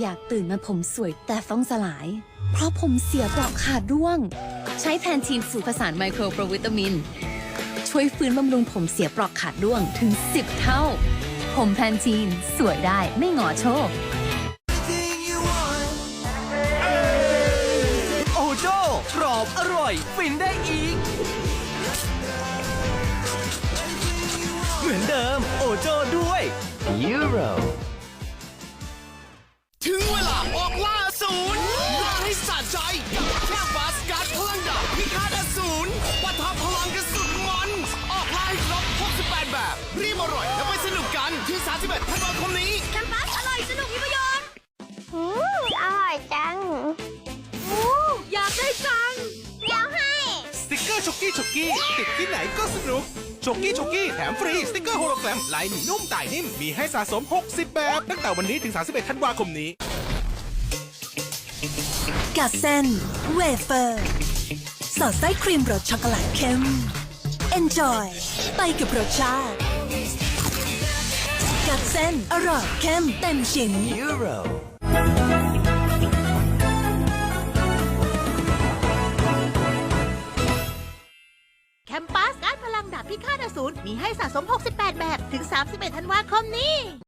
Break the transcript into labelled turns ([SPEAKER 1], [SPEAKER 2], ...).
[SPEAKER 1] อยากตื่นมาผมสวยแต่ฟ้องสลาย เพราะผมเสียปลอกขาดร่วง ใช้แพนทีนสูตรผสานไมโครโปรวิตามิน ช่วยฟื้นบำรุงผมเสียปลอกขาดร่วงถึง 10 เท่า ผมแพนทีนสวยได้ไม่หงอโชค
[SPEAKER 2] โอโจ้กรอบอร่อยฟินได้อีก เหมือนเดิมโอโจ้ด้วยยูโรถึงเวลาออกล่าศูนย์ล่าให้สะใจกับแค่บาสการ์ดพลังดาบพิฆาตอสูรปะทะพลังกันสุดมันออกล่าให้ครบ68 แบบรีบอร่อยแล้วไปสนุกกันที่31ธันวาคมนี้
[SPEAKER 3] แคมปัสอร่อยสนุกมีประโยชน์อร่อยจังอยากได้จังเดี๋ยวให้
[SPEAKER 4] สติกเกอร์ช็อกกี้ติดที่ไหนก็สนุกช็อกกี้แถมฟรีสติกเกอร์โฮโลแกรมลายหนีนุ่มต่ายนิ่มมีให้สะสม 60 แบบตั้งแต่วันนี้ถึง 31 ธันวาคมนี้
[SPEAKER 5] กัดเส้นเวเฟอร์สอดไส้ครีมรสช็อกโกแลตเข้ม Enjoy ไปกับรสชาติกัดเส้นอร่อยเข้มเต็มชิ้น
[SPEAKER 2] ยูโร
[SPEAKER 3] แคมปัสการ์ดพลังดาบพิฆาตอสูรมีให้สะสม 68 แบบถึง 31 ธันวาคมนี้